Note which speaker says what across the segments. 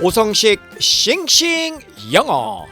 Speaker 1: 오성식 싱싱 영어.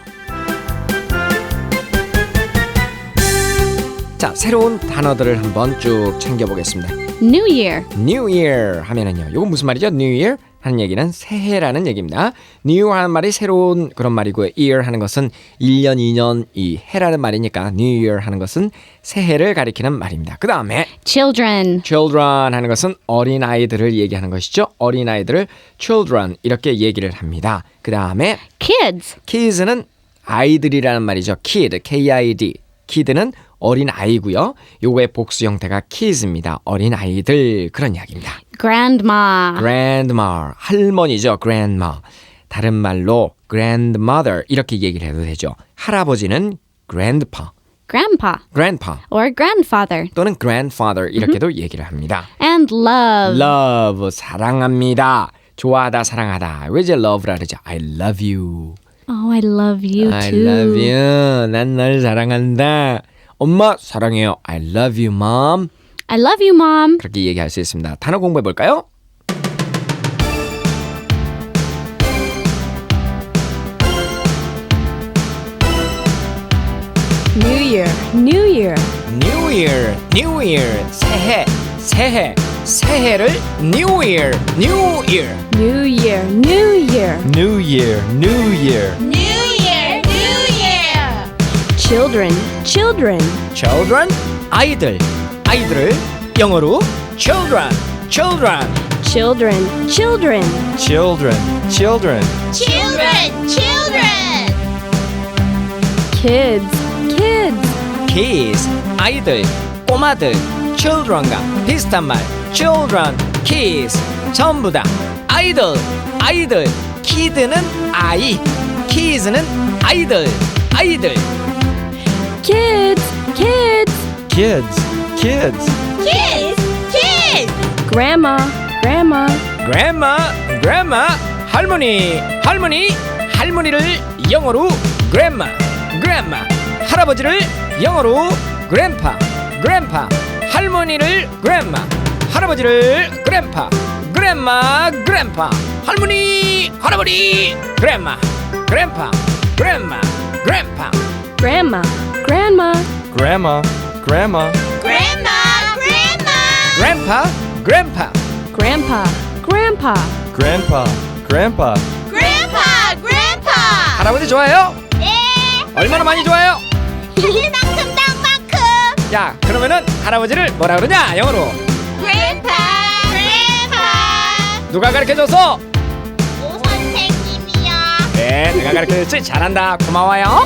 Speaker 1: 자, 새로운 단어들을 한번 쭉 챙겨보겠습니다.
Speaker 2: New Year.
Speaker 1: New Year 하면은요, 이건 무슨 말이죠? New Year 하는 얘기는 새해라는 얘기입니다. New 하는 말이 새로운 그런 말이고요. Year 하는 것은 1년, 2년, 이 해라는 말이니까 New Year 하는 것은 새해를 가리키는 말입니다. 그 다음에
Speaker 2: Children.
Speaker 1: Children 하는 것은 어린아이들을 얘기하는 것이죠. 어린아이들을 Children 이렇게 얘기를 합니다. 그 다음에
Speaker 2: Kids.
Speaker 1: Kids는 아이들이라는 말이죠. Kid, K-I-D. Kid는 어린 아이고요. 요거의 복수 형태가 kids입니다. 어린 아이들 그런 이야기입니다.
Speaker 2: Grandma.
Speaker 1: Grandma, 할머니죠. Grandma. 다른 말로 grandmother 이렇게 얘기를 해도 되죠. 할아버지는 grandpa,
Speaker 2: Grandpa.
Speaker 1: grandpa
Speaker 2: Or grandfather.
Speaker 1: 또는 grandfather 이렇게도 얘기를 합니다.
Speaker 2: And love.
Speaker 1: Love, 사랑합니다. 좋아하다, 사랑하다. 왜 이제 love라 그러죠? I love you.
Speaker 2: Oh, I love you too.
Speaker 1: I love you. 난 널 사랑한다. 엄마 사랑해요. I love you, mom.
Speaker 2: I love you, Mom.
Speaker 1: 그렇게 얘기할 수 있습니다. 단어 공부해 볼까요?
Speaker 3: New Year, New Year.
Speaker 1: New Year, New Year. 새해, 새해, 새해를 New Year, New Year.
Speaker 3: New Year, New Year.
Speaker 1: New Year, New Year.
Speaker 3: Children, children.
Speaker 1: Children, 아이들, 아이들을 영어로 children, children.
Speaker 3: Children, children.
Speaker 1: Children, children.
Speaker 3: Kids, kids.
Speaker 1: Kids, 아이들, 꼬마들. Children과 비슷한 말. Children, kids. 전부 다 아이들, 아이들. Kid는 아이, kids는 아이들, 아이들.
Speaker 3: Kids, kids.
Speaker 1: Kids, kids.
Speaker 3: Grandma, grandma.
Speaker 1: Grandma, grandma. 할머니, 할머니. 할머니를 영어로 grandma, grandma. 할아버지를 영어로 grandpa, grandpa. 할머니를 grandma, 할아버지를 grandpa, grandma, grandpa. 할머니, 할아버지, grandma, grandpa, grandma, grandpa.
Speaker 3: Grandma, grandma.
Speaker 4: Grandma, grandma,
Speaker 1: Grandpa, grandpa.
Speaker 3: Grandpa, grandpa.
Speaker 4: grandpa, grandpa.
Speaker 1: 할아버지 좋아해요? 얼마나 많이 좋아해요? 야, 그러면은 할아버지를 뭐라 그러냐? 영어로. 누가 가르쳐줘서? 네, 내가 가르쳐줬지. 잘한다. 고마워요.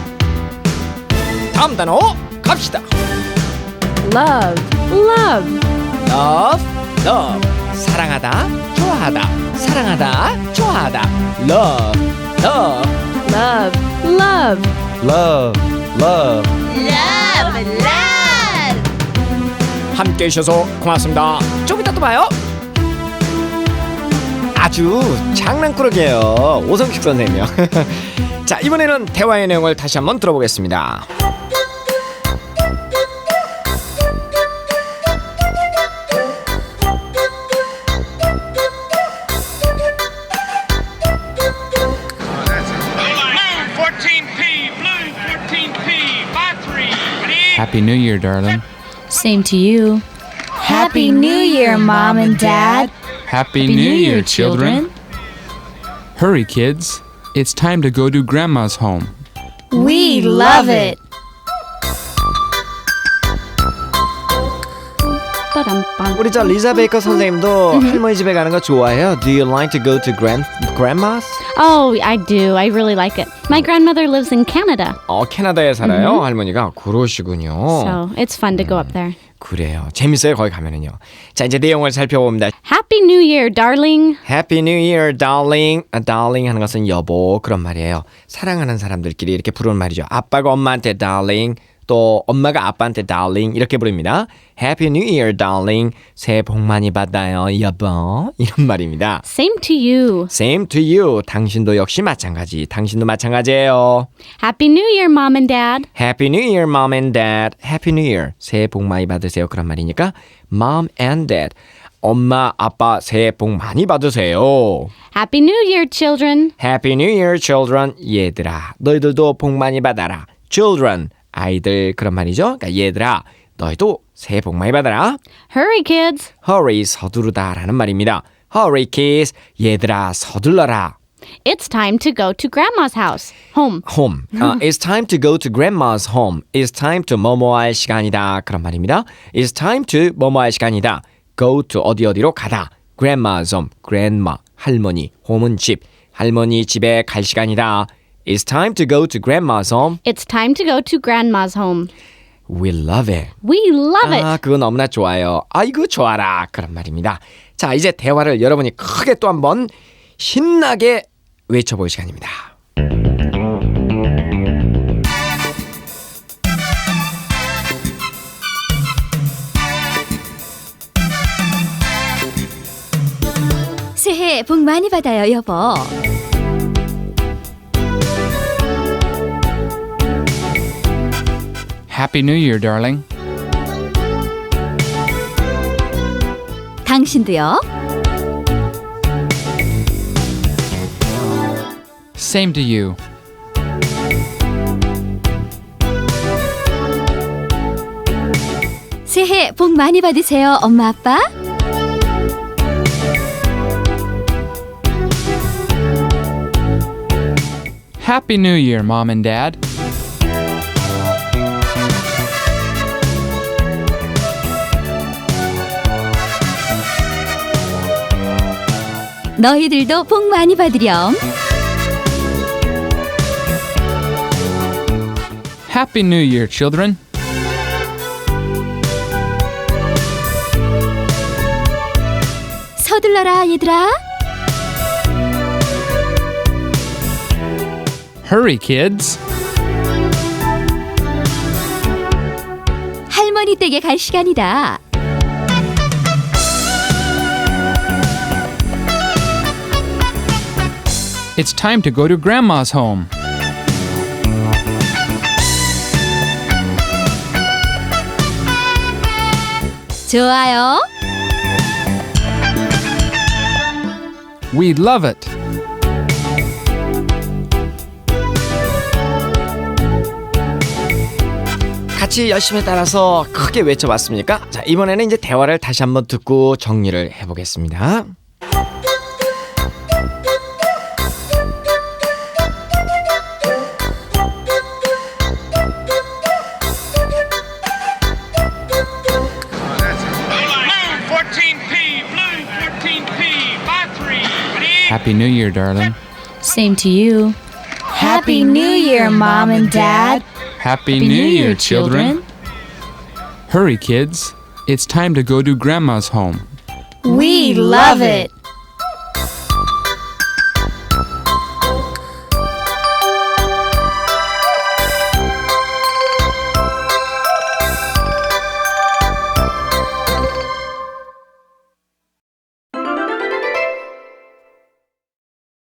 Speaker 1: 다음 단어 갑시다.
Speaker 3: Love, love.
Speaker 1: Love, love. 사랑하다, 좋아하다. 사랑하다, 좋아하다. Love, love.
Speaker 3: Love, love.
Speaker 4: Love, love.
Speaker 1: 함께 해주셔서 고맙습니다. 좀 이따 또 봐요. 아주 장난꾸러기예요. 오성식 선생님이요. 자, 이번에는 대화의 내용을 다시 한번 들어보겠습니다.
Speaker 5: Happy New Year, darling.
Speaker 2: Same to you.
Speaker 6: Happy New Year, Mom and Dad.
Speaker 5: Happy New Year, children. Hurry, kids. It's time to go to Grandma's home.
Speaker 6: We love it.
Speaker 2: Ba-dum-bum.
Speaker 1: 우리 저 리자 베이커 선생님도 할머니 집에 가는 거 좋아해요? Do you like to go to grandma's?
Speaker 2: Oh, I do. I really like it. My grandmother lives in Canada,
Speaker 1: 캐나다에 살아요, 할머니가. 그러시군요.
Speaker 2: so it's fun to go up there.
Speaker 1: 그래요. 재밌어요, 거기 가면은요. 자, 이제 내용을 살펴봅니다.
Speaker 2: Happy New Year, darling.
Speaker 1: Happy New Year, darling. darling 하는 것은 여보 그런 말이에요. 사랑하는 사람들끼리 이렇게 부르는 말이죠. 아빠가 엄마한테 darling, 또 엄마가 아빠한테 darling 이렇게 부릅니다. Happy New Year, darling. 새해 복 많이 받아요, 여보. 이런 말입니다.
Speaker 2: Same to you.
Speaker 1: Same to you. 당신도 역시 마찬가지. 당신도 마찬가지예요.
Speaker 2: Happy New Year, Mom and Dad.
Speaker 1: Happy New Year, Mom and Dad. Happy New Year. 새해 복 많이 받으세요. 그런 말이니까 Mom and Dad. 엄마, 아빠 새해 복 많이 받으세요.
Speaker 2: Happy New Year, children.
Speaker 1: Happy New Year, children. 얘들아, 너희들도 복 많이 받아라. Children, 아이들 그런 말이죠. 그러니까 얘들아, 너희도 새해 복 많이 받아라.
Speaker 2: Hurry, kids.
Speaker 1: Hurry, 서두르다라는 말입니다. Hurry, kids. 얘들아, 서둘러라.
Speaker 2: It's time to go to Grandma's house. Home.
Speaker 1: Home. It's time to go to grandma's home. It's time to 뭐뭐 할 시간이다. 그런 말입니다. It's time to 뭐뭐 할 시간이다. Go to 어디로 가다. Grandma's home. Grandma, 할머니. home은 집. 할머니 집에 갈 시간이다. It's time to go to grandma's home.
Speaker 2: It's time to go to Grandma's home.
Speaker 1: We love it.
Speaker 2: We love it.
Speaker 1: 아, 그거 너무나 좋아요. 아이고 좋아라. 그런 말입니다. 자, 이제 대화를 여러분이 크게 또 한번 신나게 외쳐볼 시간입니다.
Speaker 6: 새해 복 많이 받아요, 여보.
Speaker 5: Happy New Year, darling.
Speaker 6: 당신도요.
Speaker 5: Same to you.
Speaker 6: 새해 복 많이 받으세요, 엄마, 아빠.
Speaker 5: Happy New Year, Mom and Dad.
Speaker 6: 너희들도 복 많이 받으렴.
Speaker 5: Happy New Year, children.
Speaker 6: 서둘러라, 얘들아.
Speaker 5: Hurry, kids.
Speaker 6: 할머니 댁에 갈 시간이다.
Speaker 5: It's time to go to Grandma's home.
Speaker 6: 좋아요.
Speaker 5: We love it.
Speaker 1: 같이 열심히 따라서 크게 외쳐봤습니까? 자, 이번에는 이제 대화를 다시 한번 듣고 정리를 해보겠습니다.
Speaker 5: Happy New Year, darling.
Speaker 3: Same to you.
Speaker 6: Happy New Year, Mom and Dad.
Speaker 5: Happy New Year, children. Hurry, kids. It's time to go to Grandma's home.
Speaker 6: We love it.